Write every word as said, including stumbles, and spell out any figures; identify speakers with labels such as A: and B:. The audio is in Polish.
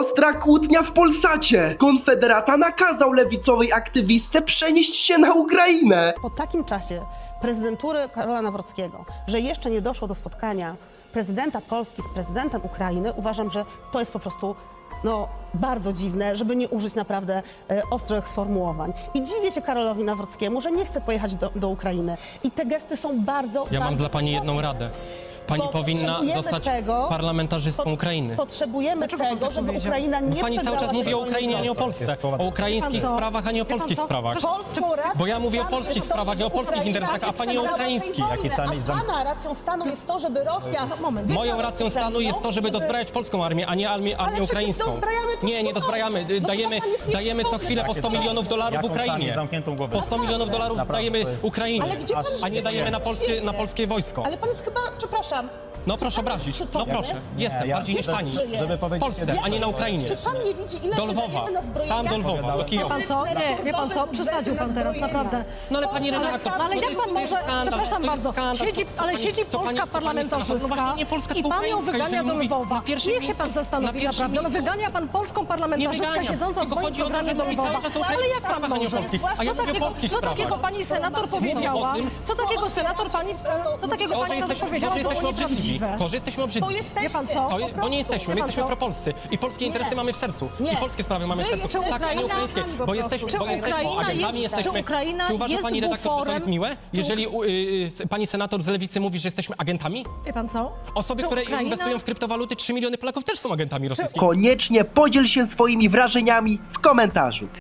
A: Ostra kłótnia w Polsacie. Konfederata nakazał lewicowej aktywistce przenieść się na Ukrainę.
B: Po takim czasie prezydentury Karola Nawrockiego, że jeszcze nie doszło do spotkania prezydenta Polski z prezydentem Ukrainy, uważam, że to jest po prostu no, bardzo dziwne, żeby nie użyć naprawdę e, ostrych sformułowań. I dziwię się Karolowi Nawrockiemu, że nie chce pojechać do, do Ukrainy. I te gesty są bardzo,
C: Ja
B: bardzo
C: mam dla pani jedną
B: istotne.
C: radę. Pani
B: Bo
C: powinna
B: potrzebujemy
C: zostać
B: tego,
C: parlamentarzystką
B: pot-
C: Ukrainy.
B: Potrzebujemy
D: Dlaczego pan
B: tego,
D: tak
B: żeby
D: powiedział?
B: Ukraina nie
C: Pani cały
B: przegrała
C: czas mówi o
B: swojej
C: Ukrainie, a nie o
B: sytuacji.
C: Polsce. O ukraińskich
D: Wie pan co?
C: sprawach, a nie o
D: Wie pan
C: polskich
D: co?
C: sprawach.
B: Polską racją
C: Bo ja mówię o
B: stanu
C: polskich
B: jest to,
C: sprawach i o
B: żeby
C: polskich
B: Ukraina
C: interesach, a pani o
B: przegrała tej
C: ukraińskich.
B: wojny,
D: Jakie sami
B: a
D: zam-
B: pana racją stanu jest to, żeby Rosja... No, moment.
C: Moją racją stanu jest to, żeby dozbrajać polską armię, a nie armię, armię
B: przecież
C: ukraińską.
B: dozbrajamy to
C: Nie, nie
B: w
C: dozbrajamy.
B: No to
C: Dajemy,
B: pan jest
C: dajemy co
B: nieprzytomny.
C: chwilę po sto milionów dolarów
D: Jaką
C: Ukrainie.
D: sami zamkniętą głowę?
C: Po sto milionów dolarów
D: Naprawdę,
C: dajemy
D: to jest-
C: Ukrainie,
B: Ale gdzie pan
C: a nie
B: żyje?
C: dajemy na polskie,
B: Świecie.
C: na polskie wojsko.
B: Ale pan jest chyba, przepraszam,
C: No proszę
B: pan jest
C: obrazić. No
B: przytomny?
C: proszę. Jestem,
D: ja-
C: bardziej niż
D: żeby-
C: pani.
D: żeby
C: W
D: powiedzieć
C: Polsce,
D: jeden-
C: a nie na Ukrainie.
B: czy pan nie widzi, ile
C: Do Lwowa.
B: wydajemy na zbrojenia?
C: Tam do Lwowa, do
D: Wie
C: Kijowa.
D: pan
E: co? Nie, wie pan co? Przesadził pan teraz, naprawdę.
C: No ale pani redaktor,
E: No ale
C: to
E: jak
C: jest-
E: pan
C: to jest
E: może,
C: skandal,
E: przepraszam
C: to jest
E: bardzo,
C: skandal.
E: siedzi,
C: Co
E: ale
C: pani-
E: siedzi
C: co pani-
E: polska
C: co pani
E: parlamentarzystka
C: No właśnie nie polska,
E: i
C: tylko
E: pan ją
C: ukraińska,
E: wygania
C: jeżeli
E: do
C: mówi
E: Lwowa.
C: na pierwszym
E: Niech się
C: miejscu-
E: pan zastanowi
C: na pierwszym
E: naprawdę. No
C: miejscu-
E: wygania pan polską
C: Nie
E: parlamentarzystkę
C: wyganiam,
E: siedzącą w
C: tylko
E: moim
C: chodzi o to,
E: programie
C: że
E: do
C: mówi
E: Lwowa.
C: cały czas o
E: Ale jak
C: sprawach,
E: pan
C: a nie o
E: może?
C: polskich. A ja
E: Co
C: mówię o
E: takiego,
C: polskich
E: co
C: sprawach.
E: takiego pani senator powiedziała?
C: tym-
E: Co takiego senator pani, co takiego
C: To, że
E: pani
C: jesteśmy,
E: powiedziała,
C: to, że
E: to
C: jesteśmy
E: było
C: obrzydliwi.
E: nieprawdziwe.
C: To, że jesteśmy obrzydliwi.
B: Bo jesteście.
E: Wie pan co?
C: To, je- bo nie jesteśmy, my
E: Wie pan
C: jesteśmy
E: co?
C: propolscy i polskie interesy mamy w sercu.
B: Nie.
C: I polskie sprawy mamy w
B: Wy
C: sercu.
B: jesteście
C: Tak, a nie
B: Ukraina-
C: ukraińskie.
B: po
C: Bo jesteśmy,
E: Czy
C: bo jesteśmy
E: Ukraina
C: agentami,
E: jest-
C: jesteśmy...
E: czy Ukraina
C: Czy uważa
E: jest
C: pani redaktor, że to
E: buforem?
C: jest miłe?
E: Czy
C: Jeżeli u, y, y, pani senator z Lewicy mówi, że jesteśmy agentami?
E: Wie pan co?
C: Osoby,
E: Czy
C: które
E: Ukraina-
C: inwestują w kryptowaluty, trzy miliony Polaków też są agentami rosyjskimi.
A: Koniecznie podziel się swoimi wrażeniami w komentarzu.